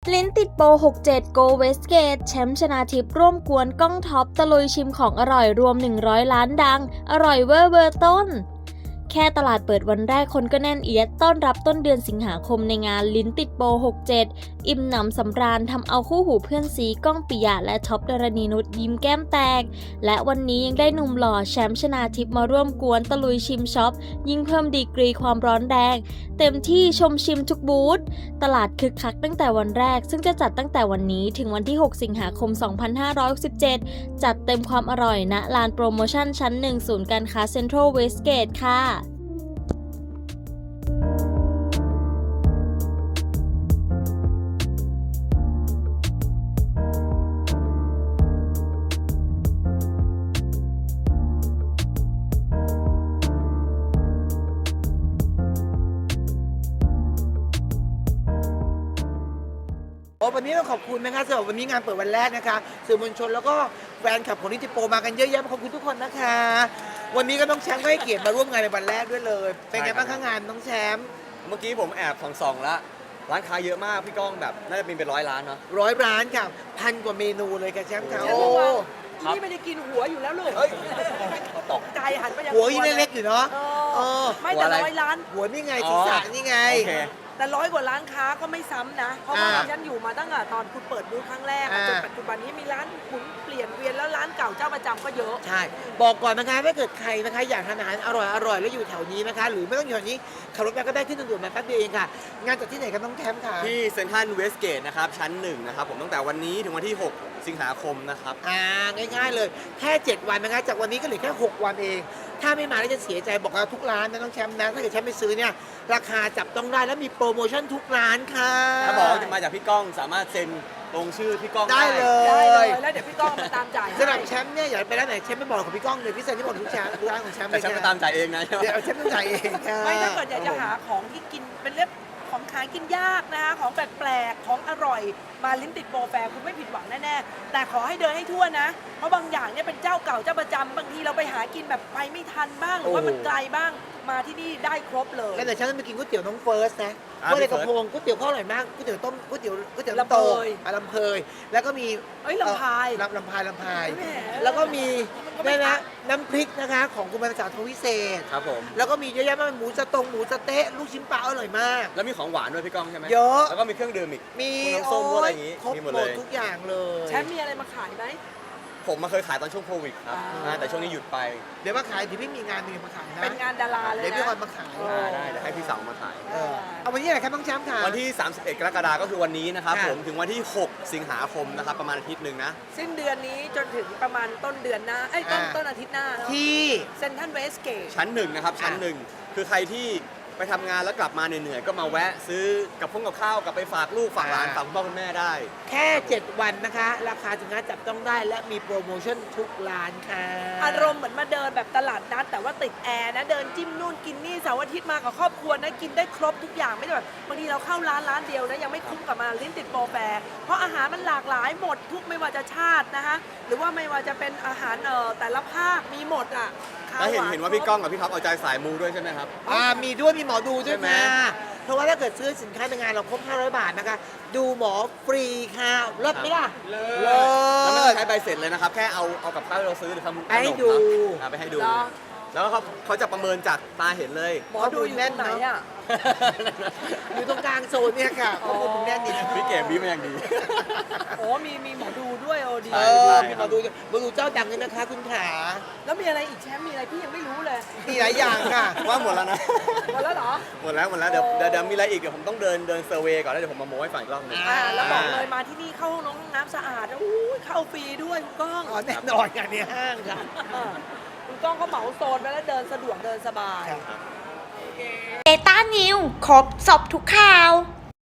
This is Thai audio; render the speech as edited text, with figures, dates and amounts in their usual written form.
ลิ้นติดโปร67 Go Westgate แชมป์ชนาทิพย์ร่วมกวนก้องท็อปตะลุยชิมของอร่อยรวม100ล้านดังอร่อยเวอร์เบอร์ต้นแค่ตลาดเปิดวันแรกคนก็แน่นเอียดต้อนรับต้นเดือนสิงหาคมในงานลิ้นติดโปร67อิ่มหนำสำราญทำเอาคู่หูเพื่อนซีก้องปิยะและท็อปดารณีนุชยิ้มแก้มแตกและวันนี้ยังได้หนุ่มหล่อแชมป์ชนาทิพย์มาร่วมกวนตะลุยชิมช็อปยิ่งเพิ่มดีกรีความร้อนแรงเต็มที่ชมชิมทุกบูธตลาดคึกคักตั้งแต่วันแรกซึ่งจะจัดตั้งแต่วันนี้ถึงวันที่6สิงหาคม2567จัดเต็มความอร่อยณลานโปรโมชั่นชั้น1ศูนย์การค้าเซ็นทรัลเวสเกตค่ะวันนี้ต้องขอบคุณนะคะสำหรับวันนี้งานเปิดวันแรกนะคะสื่อมวลชนแล้วก็แฟนคลับของนิติโปรมากันเยอะแยะขอบคุณทุกคนนะคะวันนี้ก็น้องแชมป์ก็ให้เกียรติมาร่วมงานในวันแรกด้วยเลยเป็นไงบ้างคะงานน้องแชมป์เมื่อกี้ผมแอบส่องแล้วร้านค้าเยอะมากพี่ก้องแบบน่าจะเป็น100 ล้านเนาะ 100 ร้านค่ะพันกว่าเมนูเลยค่ะแชมป์ค่ะโอ้นี่ไม่ได้กินหัวอยู่แล้วลูกตกใจหันไปยังหัวยิ่งเล็กๆอยู่เนาะไม่แต่100 ล้านหัวนี่ไงศีรษะนี่ไงแต่100 กว่าร้านค้าก็ไม่ซ้ำนะเพราะว่าฉันอยู่มาตั้งแต่ตอนคุณเปิดบูธครั้งแรกจนปัจจุบันนี้มีร้านหมุนเปลี่ยนเวียนแล้วร้านเก่าเจ้าประจำก็เยอะใช่บอกก่อนนะคะถ้าเกิดใครนะคะอยากทานอาหารอร่อยแล้วอยู่แถวนี้นะคะหรือไม่ต้องอยู่แถวนี้ขับรถไปก็ได้ขึ้นทางด่วนมาแป๊บเดียวเองค่ะงานจัดที่ไหนกันต้องแคมป์ค่ะที่เซ็นทรัลเวสเกตนะครับชั้น1นะครับผมตั้งแต่วันนี้ถึงวันที่6สิงหาคมนะครับง่ายๆเลยแค่7 วันนะคะจากวันนี้ก็เหลือแค่6 วันเองถ้าไม่มาแล้วจะเสียใจบอกเราทุกร้านนะน้องแชมป์นะถ้าเกิดแชมป์ไปซื้อเนี่ยราคาจับต้องได้แล้วมีโปรโมชั่นทุกร้านค่ะถ้าบอกว่าจะมาจากพี่ก้องสามารถเซ็นลงชื่อพี่ก้องได้เลยแล้วเดี๋ยวพี่ก้องมาตามจ่ายสำหรับแชมป์เนี่ยอยากไปร้านไหนแชมป์ไม่บอกกับพี่ก้องเลยพี่เซ็นที่บอกทุกร้านของแชมป์แต่แชมป์มาตามจ่ายเองนะเดี๋ยวแชมป์ต้องจ่ายเองไม่ถ้าเกิดอยากจะหาของที่กินเป็นเล็บของขายกินยากนะคะของแปลกๆของอร่อยมาลิ้นติดโปรแฟร์คุณไม่ผิดหวังแน่ๆแต่ขอให้เดินให้ทั่วนะเพราะบางอย่างเนี่ยเป็นเจ้าเก่าเจ้าประจำบางทีเราไปหากินแบบไปไม่ทันบ้างหรือว่ามันไกลบ้างมาที่นี่ได้ครบเลยแล้วเดี๋ยวฉันจะไปกินก๋วยเตี๋ยวน้องเฟิร์สนะก๋วยเตี๋ยวกระพงก๋วยเตี๋ยวเขาอร่อยมากก๋วยเตี๋ยวต้มก๋วยเตี๋ยวลำเพยลำเพยแล้วก็มีลำพายลำพายแล้วก็มีนี่นะน้ำพริกนะคะของคุณภาษาทวิเศษครับผมแล้วก็มีเยอะแยะมากหมูสะเต๊ะลูกชิ้นปลาอร่อยมากแล้วมีของหวานด้วยพี่ก้องใช่ไหมเยอะแล้วก็มีเครื่องดื่มอีกมีน้ำส้มอะไรอย่างงี้ครบหมดทุกอย่างเลยแชมป์มีอะไรมาขายไหมผมมาเคยขายตอนช่วงโควิดครับแต่ช่วงนี้หยุดไปเดี๋ยวมาขายเดี๋ยวพี่มีงานนึงมาขายนะเป็นงานดาราเลยนะเดี๋ยวพี่คอนมาขายได้เดี๋ยวให้พี่สาวมาขายเอาวันนี้อะไรครับน้องแชมป์ค่ะวันที่31 กรกฎาคมก็คือวันนี้นะครับผมถึงวันที่6สิงหาคมนะครับประมาณอาทิตย์หนึ่งนะสิ้นเดือนนี้จนถึงประมาณต้นเดือนหน้าต้นอาทิตย์หน้าที่เซ็นทรัลเวสเกตชั้น1นะครับชั้น1คือใครที่ไปทำงานแล้วกลับมาเหนื่อยๆก็มาแวะซื้อกับข้าวกลับไปฝากลูกฝากหลานฝากคุณพ่อคุณแม่ได้แค่7 วันนะคะราคาสินค้าจับต้องได้และมีโปรโมชั่นทุกร้านค่ะอารมณ์เหมือนมาเดินแบบตลาดนัดแต่ว่าติดแอร์นะเดินจิ้มนู่นกินนี่เสาร์อาทิตย์มากับครอบครัวนะกินได้ครบทุกอย่างไม่ได้แบบบางทีเราเข้าร้านเดียวนะยังไม่คุ้มกับมาลิ้นติดโปรแฟร์เพราะอาหารมันหลากหลายหมดทุกไม่ว่าจะชาตินะคะหรือว่าไม่ว่าจะเป็นอาหารแต่ละภาคมีหมดอ่ะแล้วเห็นว่าพี่ก้องกับพี่ท็อปเอาใจสายมูด้วยใช่ไหมครับมีด้วยมีหมอดูด้วยค่ะเพราะว่าถ้าเกิดซื้อสินค้าในงานเราครบ500 บาทนะคะดูหมอฟรีค่ะเลิศไหมล่ะเลิศแล้วไม่ต้องใช้ใบเสร็จเลยนะครับแค่เอากับข้าวที่เราซื้อหรือทำขนมไปให้ดูแล้วเขาจะประเมินจากตาเห็นเลยหมอดูอยู่ไหนอ่ะอยู่ตรงกลางโซนเนี่ยค่ะข้อมูลแน่นดีพี่เก๋บี้มาอย่างดีโอ้มีหมอดูด้วยดีมีหมอดูเจ้าดังเลยนะคะคุณขาแล้วมีอะไรอีกแชมป์มีอะไรพี่ยังไม่รู้เลยมีหลายอย่างค่ะว่าหมดแล้วนะหมดแล้วเหรอหมดแล้วเดี๋ยวมีอะไรอีกเดี๋ยวผมต้องเดินเซอร์เวย์ก่อนแล้วเดี๋ยวผมมาโม้ให้ฟังอีกรอบนึงแล้วบอกเลยมาที่นี่เข้าห้องน้ำสะอาดเข้าฟรีด้วยคุณก้องแน่นอนกันในห้างค่ะคุณก้องก็เหมาโซนไปแล้วเดินสะดวกเดินสบายเบต้านิวครบสอบทุกข่าว